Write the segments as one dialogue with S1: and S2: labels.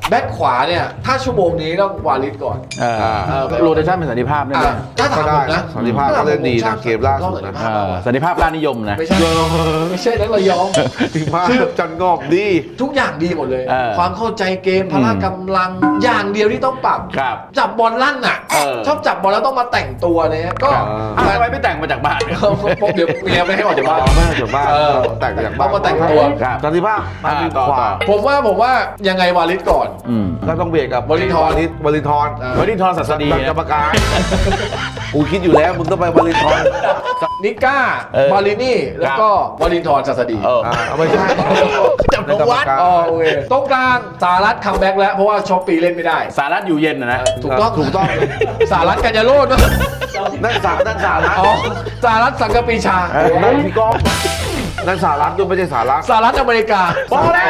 S1: แบ็คขวาเนี่ยถ้าชั่วโมงนี้ต้องวาลิดก่อน
S2: โรเตชันเป็นสันติภาพได้ไหม
S1: ถ้าถามผมนะ
S3: สันติภาพก็เล่นดีนะเกมล่าสุดนะ
S2: สันติภาพราชนิยมนะ
S1: ไม่ใช่นักระยอง
S3: สันติภาพจันงอกดี
S1: ทุกอย่างดีหมดเลย
S2: เออ
S1: ความเข้าใจเกมพละกำลังอย่างเดียวที่ต้องปรับ
S2: ครับ
S1: จับบอลลั่นอ่ะ ชอบจับบอลแล้วต้องมาแต่งตัวเนี่ยก็
S2: ทำไมไม่แต่งมาจากบ้านเนี่ย
S1: เดี๋ยวเมียไม่ให้ออกจากบ้าน
S3: ไม่ให้จากบ้านแต่งจากบ้าน
S1: ต้องมาแต่งตัว
S2: ครับ
S3: สันติภาพมาดีกว่า
S1: ผมว่ายังไงวาลิดก่อน
S3: ก็ต้องเบียดกับ
S1: วลินทร
S3: วลินทร
S2: วลินทรศัสดี
S3: กรรมการกูคิดอยู่แล้วมึงต้องไปวลินทร
S1: นิก้าบาลินี่แล้วก็วลินทรศัสดี
S3: ไม่ใช่
S2: จับนวัด
S1: อ๋อโอเคตรงกลางสารัตคัมแบ็กแล้วเพราะว่าช็อปปีเล่นไม่ได้
S2: สารัตอยู่เย็นนะ
S1: ถูกต้อง
S3: ถูกต้อง
S1: สารัตกัญญาโรจน์
S3: นั่นสารัฐ
S1: อ๋อสารัตสังกปีชา
S3: นั่นพี่ก้องนั่นสารัฐด้วยไม่ใช่สารัฐ
S1: สหรัฐอเมริกา
S2: พอแล้ว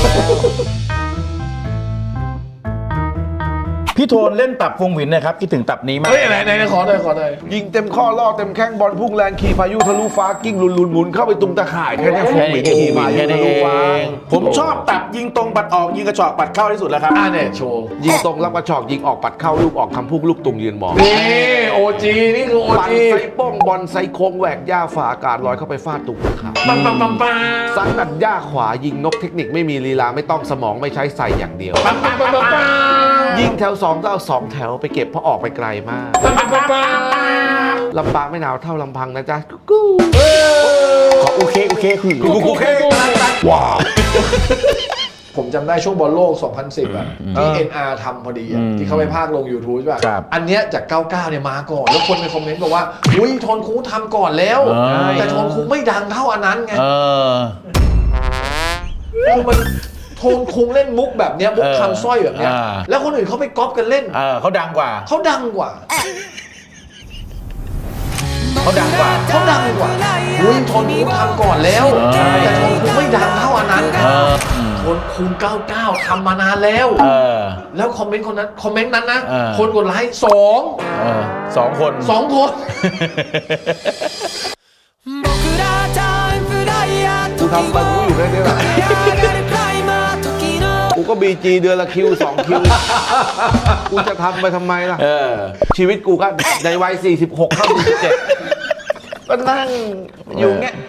S2: พี่โทนเล่นตับพงหวินนะครับคิดถึงตับนี้มาก
S1: เฮ้ยไหนขอหน่อย
S3: ยิงเต็มข้อล่อเต็มแข้งบอลพุ่งแรงขี่พายุทะลุฟ้ากิ้งลุนหมุนเข้าไปตุงตะข่ายแค่นี้ฟุกหมินขี่พายุทะลุฟ้า
S2: ผมชอบตับยิงตรงปัดออกยิงกระชอกปัดเข้าที่สุดแล้วครับ
S1: เนี่ยโชว์
S3: ยิงตรงรับกระชอกยิงออกปัดเข้าลูกออกคำพุ่งลูกตุงยืนมอง
S1: นี่โอจีนี่คือโอ
S3: ปั่น
S1: จี
S3: ไซป้องบอลไซโค้งแหวกหญ้าฝ่าอากาศลอยเข้าไปฟาดตุกตะข่าย
S1: ปัง
S3: ซัดตัดหญ้าขวายิงนกเทคนิคไม่มีลีลาไม่ต้องสมองไม่ใช้ใส่อย่างเดียว ยิงแถว2ก็เอา2แถวไปเก็บเพราะออกไปไกลมากลำปางไม่หนาวเท่าลำพังนะจ๊ะกู
S2: ขอโอเคคือ
S3: ว้าว
S1: ผมจำได้ช่วงบอลโลก 2010 อ่ะที่ NR ทำพอดีอ่ะที่เขาไปพากย์ลง YouTube ใช่ป่ะอันเนี้ยจาก 99 เนี่ยมาก่อน แล้วคนในคอมเมนต์บอกว่าอุ้ยโทนคูทำก่อนแล้ว แต่โทนคูไม่ดังเท่าอันนั้นไงคือมันโทนคุงเล่นมุกแบบเนี้ยมุกคำสร้อยแบบเนี้ยแล้วคนอื่นเขาไปก๊อปกันเล่น
S2: เขาดังกว่า
S1: เขาดังกว่า อุ้ยโทนคุงทำก่อนแล้ว แต่โทนคุงไม่ดังเท่าอันนั้นโทนคุง99ทำมานานแล้วแล้วคอมเมนต์นั้นนะคนกดไลค์
S2: 2 คน
S1: 2 คน
S3: กูทำไปกูอยู่แค่นี้แหละกูก็บีจีเดือนละคิว2 คิวกูจะทำไปทำไมล่ะชีวิตกูก็ในวัย46เข้า47ก็นั่งอยู่เงี้ย